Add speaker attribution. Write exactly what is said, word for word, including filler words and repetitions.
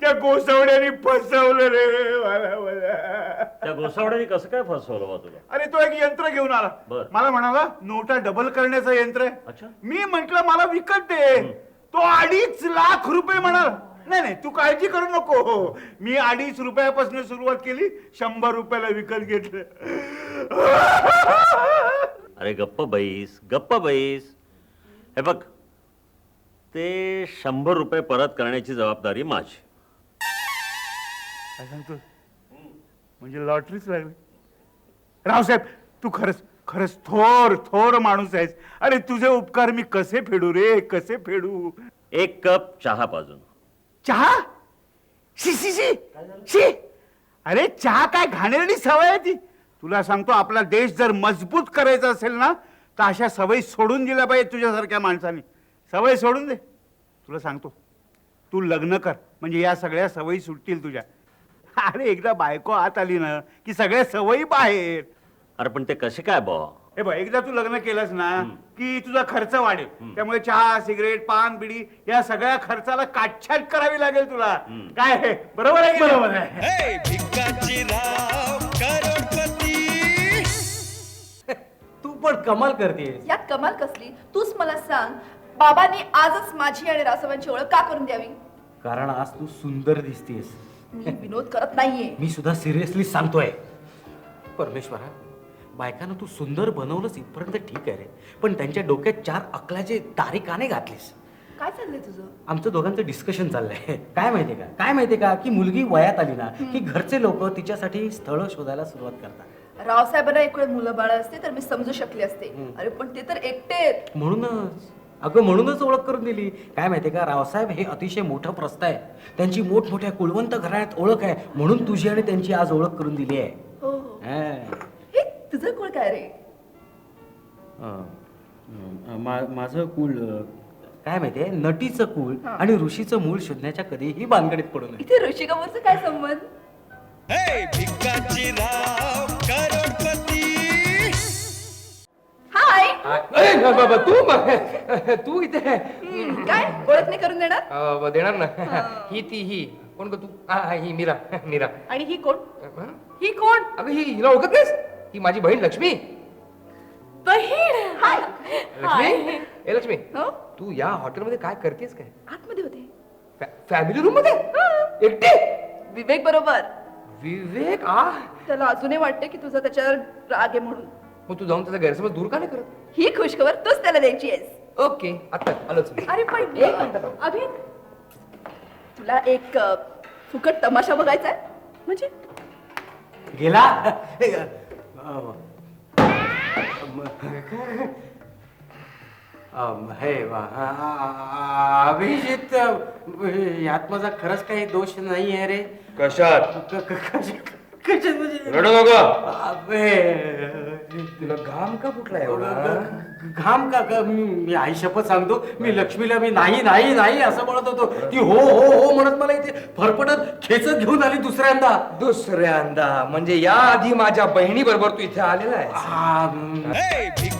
Speaker 1: त्या गोसावड्याने फसवलं रे मला मला.
Speaker 2: त्या गोसावड्याने कसं काय फसवलं बा तुला?
Speaker 1: अरे तो एक यंत्र घेऊन आला.
Speaker 2: बर.
Speaker 1: मला म्हणाला नोटा डबल करण्याचं यंत्र आहे.
Speaker 2: अच्छा.
Speaker 1: मी म्हंटल मला विकत दे. तो अडीच लाख रुपये म्हणाला. नाही नाही तू काळजी करू नको, मी अडीच रुपयापासून सुरुवात केली, शंभर रुपयाला विकत घेतलं.
Speaker 2: अरे गप्प बैस, गप्प बैस. हे बघ, ते शंभर रुपये परत करण्याची जबाबदारी माझी.
Speaker 1: काय सांगतो? म्हणजे लॉटरीच लागली. रावसाहेब तू खरंच खरंच थोर थोर माणूस आहेस. अरे तुझे उपकार मी कसे फेडू रे, कसे फेडू.
Speaker 2: एक कप चहा पाजून.
Speaker 1: चहा? शी शी शी शी. अरे चहा काय घाणेरडी सवय आहे ती. तुला सांगतो आपला देश जर मजबूत करायचा असेल ना तर अशा सवयी सोडून दिल्या पाहिजे तुझ्यासारख्या माणसाने. सवय सोडून दे. तुला सांगतो तू लग्न कर म्हणजे या सगळ्या सवयी सुटतील तुझ्या. अरे एकदा बायको आत आली ना की सगळ्या सवयी बाहेर.
Speaker 2: अरे पण ते कसे काय बा?
Speaker 1: हे बघ एकदा तू लग्न केलंस ना की तुझा खर्च वाढेल. त्यामुळे चहा सिगरेट पान बिडी या सगळ्या खर्चाला काटछाट करावी लागेल तुला. काय आहे? बरोबर आहे की नाही?
Speaker 3: बरोबर आहे. तू पण कमाल करतेस.
Speaker 4: यात कमाल कसली? तूच मला सांग, बाबांनी आजच माझी आणि रासवांची ओळख का करून द्यावी?
Speaker 3: कारण आज तू सुंदर दिसतेस.
Speaker 4: मी विनोद करत नाहीये.
Speaker 3: मी सुद्धा सिरियसली सांगतोय. परमेश्वरा, बायकांना तू सुंदर बनवलंस इथपर्यंत ठीक आहे रे, पण त्यांच्या डोक्यात चार अकलाचे तारे का नाही घातलीस?
Speaker 4: काय चाललंय तुझं?
Speaker 3: आमचं दोघांचं डिस्कशन चाललंय. काय माहितीये का काय माहितीये का की मुलगी वयात आली ना की घरचे लोक तिच्यासाठी स्थळ शोधायला सुरुवात करतात.
Speaker 4: रावसाहेबांना एक वेळ मुलं बाळ असते तर मी समजू शकले असते. अरे पण ते तर एकटे आहेत.
Speaker 3: म्हणूनच अगं म्हणूनच ओळख करून दिली. काय माहितीये का, रावसाहेब हे अतिशय मोठं प्रस्थ आहे. त्यांची मोठमोठ्या कुलवंत घराण्यात ओळख आहे, म्हणून तुझी आणि त्यांची आज ओळख करून दिली आहे.
Speaker 4: हो हो.
Speaker 3: हा.
Speaker 4: हे तुझं कुळ काय रे?
Speaker 3: अं, मा- माझं कुल अं, काय माहितीये, नटीचं कुल आणि ऋषीचं मूळ शोधण्याच्या कधीही भानगडीत पडू नये.
Speaker 4: इथे ऋषी कपूरचं काय संबंध? हाय.
Speaker 5: अरे बाबा तू तू इथे
Speaker 4: हम्म, काय ओळख नाही करून देणार?
Speaker 5: अ, देणार ना. ही ती ही कोण ग तू? हा हा, ही मीरा मीरा.
Speaker 4: आणि ही कोण?
Speaker 5: हं?
Speaker 4: ही कोण?
Speaker 5: अगं ही हिला ओळखत नाहीस? ही माझी बहीण लक्ष्मी.
Speaker 4: बहीण. हाय.
Speaker 5: लक्ष्मी ए लक्ष्मी,
Speaker 4: हो?
Speaker 5: तू या हॉटेलमध्ये काय करतेस काय?
Speaker 4: आतमध्ये होते.
Speaker 5: फॅमिली रूम मध्ये एकटी?
Speaker 4: विवेक बरोबर.
Speaker 5: विवेक आ
Speaker 4: त्याला अजूनही वाटते की तुझा त्याच्यावर राग आहे म्हणून.
Speaker 5: मग तू जाऊन त्याचा गैरसमज दूर का नाही करत?
Speaker 4: ही खुशखबर तूच त्याला द्यायची आहेस.
Speaker 5: ओके आता आलोच मी.
Speaker 4: अरे पण एक मिनिट. अभि, तुला एक अ, फुकट तमाशा बघायचा आहे म्हणजे?
Speaker 3: गेला अं, अं, हे वा- आ- आ- अभिजित, यात माझा खरंच काही दोष नाही आहे रे.
Speaker 5: कशात?
Speaker 3: क- क- कशा- कशात म्हणजे?
Speaker 5: रडू नको.
Speaker 3: अबे,
Speaker 5: तुला घाम का फुटला एवढा?
Speaker 3: घाम का ग- मी मी आई शपथ सांगतो, मी लक्ष्मीला मी नाही नाही नाही असं म्हणत होतो, ती हो हो हो म्हणत मला इथे फरफटत खेचत घेऊन आली दुसऱ्यांदा.
Speaker 5: दुसऱ्यांदा म्हणजे या आधी माझ्या बहिणी बरोबर तू इथे आलेला आहे.
Speaker 3: आ,